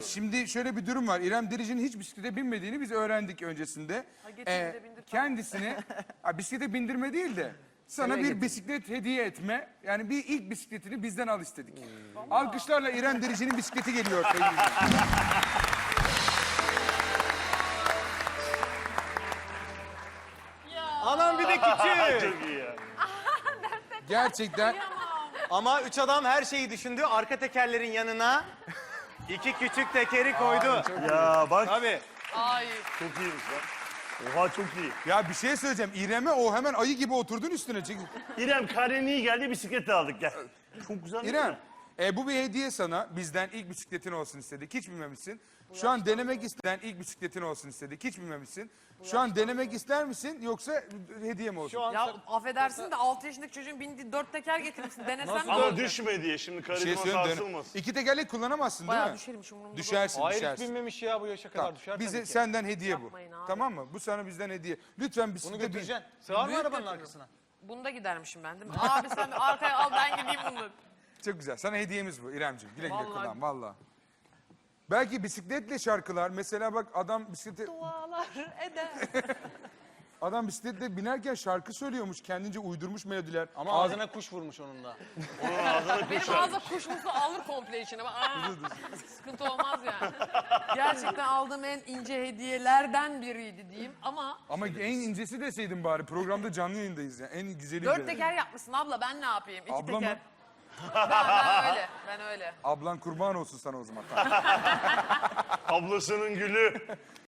Şimdi şöyle bir durum var. İrem Derici'nin hiç bisiklete binmediğini biz öğrendik öncesinde. Kendisini bisiklete bindirme değil de sana bir bisiklet hediye etme. Yani bir ilk bisikletini bizden al istedik. Alkışlarla İrem Derici'nin bisikleti geliyor. Anam bir de küçük. Çok iyi ya. Gerçekten. Ama üç adam her şeyi düşündü. Arka tekerlerin yanına 2 küçük tekeri koydu. Ya bak Tabii. Ay. çok iyiymiş lan. Oha çok iyi. Ya bir şey söyleyeceğim. İrem'e o hemen ayı gibi oturdun üstüne. İrem karnen iyi geldi bisiklet de aldık gel. Çok güzel değil İrem, mi? bu bir hediye sana. Bizden ilk bisikletin olsun istedik. Hiç bilmemişsin. Şu an denemek isteyen ilk bisikletin olsun istedik. Hiç bilmemişsin. Şu an denemek ister misin yoksa hediye mi olsun? Ya affedersin de 6 yaşındaki çocuğun bindiği 4 teker getirmişsin. Denesem mi? Ama düşme diye şimdi Bir şey karizma söyleyeyim. sarsılmasın. İki tekerlek kullanamazsın değil Bayağı mi? düşerim hiç umurumda. Düşersin, Hayır hiç düşersin. binmemiş ya bu yaşa kadar Tamam. düşer Bize tabii ki. senden hediye bu. Yapmayın abi. Tamam mı? Bu sana bizden hediye. Lütfen Bunu bisiklete bin. götüreceksin. Sığar mı Büyük arabanın götürürüm. arkasına? Bunda gidermişim ben değil mi? Abi sen bir arkaya al ben gideyim bunu. Çok güzel. Sana hediyemiz bu İremciğim. Güle güle Vallahi. kullan valla. Belki bisikletle şarkılar. Mesela bak adam bisiklete... Dualar eder. Adam bisikletle binerken şarkı söylüyormuş. Kendince uydurmuş melodiler. Ama ağzına kuş vurmuş onun da. Onun ağzına Benim kuş ağza kuş musu alır komple içine. Sıkıntı olmaz yani. Gerçekten aldığım en ince hediyelerden biriydi diyeyim ama... Ama en incesi deseydin bari. Programda canlı yayındayız ya. En güzeli. 4 teker yapmışsın abla ben ne yapayım? 2 Abla mı? teker. Ben öyle, ben öyle. Ablan kurban olsun sana o zaman. Ablasının gülü.